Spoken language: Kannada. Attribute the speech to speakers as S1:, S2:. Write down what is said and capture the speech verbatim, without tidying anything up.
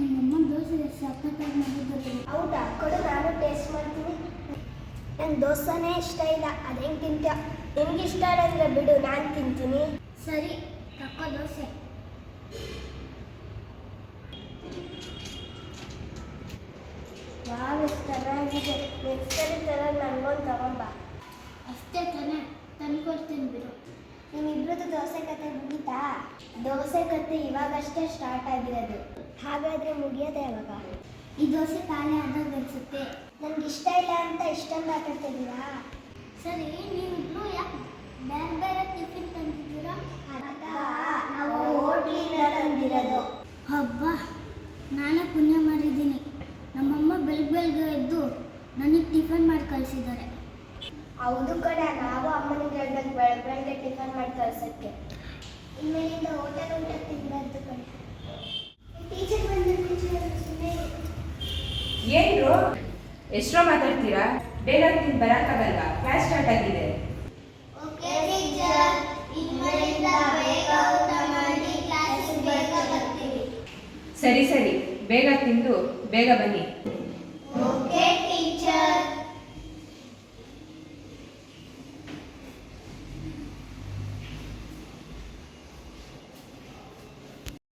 S1: ನಮ್ಮಮ್ಮ ದೋಸೆ ಸಖತ್ತಾಗಿ ಮಾಡಿದ್ದು.
S2: ಹೌದಾ, ಕೊಡು ನಾನು ಟೇಸ್ಟ್ ಮಾಡ್ತೀನಿ. ನಂಗೆ ದೋಸೆನೇ ಇಷ್ಟ ಇಲ್ಲ, ಅದು ಹೆಂಗೆ ತಿಂತೀಯ? ನಿಮ್ಗೆ ಇಷ್ಟ ಅಂದರೆ ಬಿಡು, ನಾನು ತಿಂತೀನಿ.
S1: ಸರಿ, ತಕ್ಕೋ ದೋಸೆ.
S2: ವಾವ್, ಎಷ್ಟು ಚೆನ್ನಾಗಿದೆ. ನೆಕ್ಸ್ಟ್ ಸರಿ ಥರ ನನಗೊಂದು ತಗೊಂಬ.
S1: ಅಷ್ಟೇ ತಾನೇ, ತಂದ್ಕೊಡ್ತೀನಿ ಬಿಡು.
S2: ನಿಮ್ಮಿಬ್ರದ್ದು ದೋಸೆ ಕತೆ ಮುಗೀತಾ? ದೋಸೆ ಕತೆ ಇವಾಗಷ್ಟೇ ಸ್ಟಾರ್ಟ್ ಆಗಿರೋದು. ಹಾಗಾದರೆ ಮುಗಿಯೋದೆ ಯಾವಾಗ?
S1: ಈ ದೋಸೆ ಖಾಲಿ ಆದಾಗ ಅನಿಸುತ್ತೆ.
S2: ನನಗೆ ಇಷ್ಟ ಇಲ್ಲ ಅಂತ ಇಷ್ಟೊಂದು ಮಾತಾಡ್ತಿದ್ದೀರಾ?
S1: ಸರಿ, ನೀವಿಬ್ರು ಯಾಕೆ ಬೇರೆ ಬೇರೆ ಟಿಫಿನ್ ತಂದಿದ್ದೀರಾ?
S2: ನಾವು ಹೋಟ್ಲಿಂದ ತಂದಿರೋದು.
S1: ಹಬ್ಬ, ನಾನೇ ಪುಣ್ಯ ಮಾಡಿದ್ದೀನಿ. ನಮ್ಮಮ್ಮ ಬೆಳಗ್ಗೆ ಬೆಳಗ್ಗೆ ಎದ್ದು ನನಗೆ ಟಿಫನ್ ಮಾಡಿ ಕಳಿಸಿದ್ದಾರೆ.
S2: ಹೌದು ಕಡೆ, ನಾವು ಅಮ್ಮನಿಗೆ ಹೇಳ್ಬೇಕು ಬೆಳಗ್ಗೆ ಬೆಳಗ್ಗೆ ಟಿಫನ್ ಮಾಡಿ ಕಳ್ಸೋಕ್ಕೆ. ಇನ್ಮೇಲಿಂದ ಹೋಟೆಲ್ ಊಟ ತಿಂದಿರೋದು ಕಡೆ. ಟೀಚರ್ ಬಂದು ಸುಮ್ಮನೆ
S3: ಏನ್ರು ಎಷ್ಟೋ ಮಾತಾಡ್ತೀರಾ? ಬೇಗ ತಿಂದು ಬರೋಕ್ಕಾಗಲ್ವಾ? ಕ್ಲಾಸ್ ಸ್ಟಾರ್ಟ್ ಆಗಿದೆ.
S2: ಓಕೆ ಟೀಚರ್, ಇನ್ಮೇಲಿಂದ ಬೇಗ ಊಟ ಮಾಡಿ ಕ್ಲಾಸಿಗೆ ಬೇಗ ಬರ್ತೀವಿ.
S3: ಸರಿ ಸರಿ, ಬೇಗ ತಿಂದು ಬೇಗ ಬನ್ನಿ.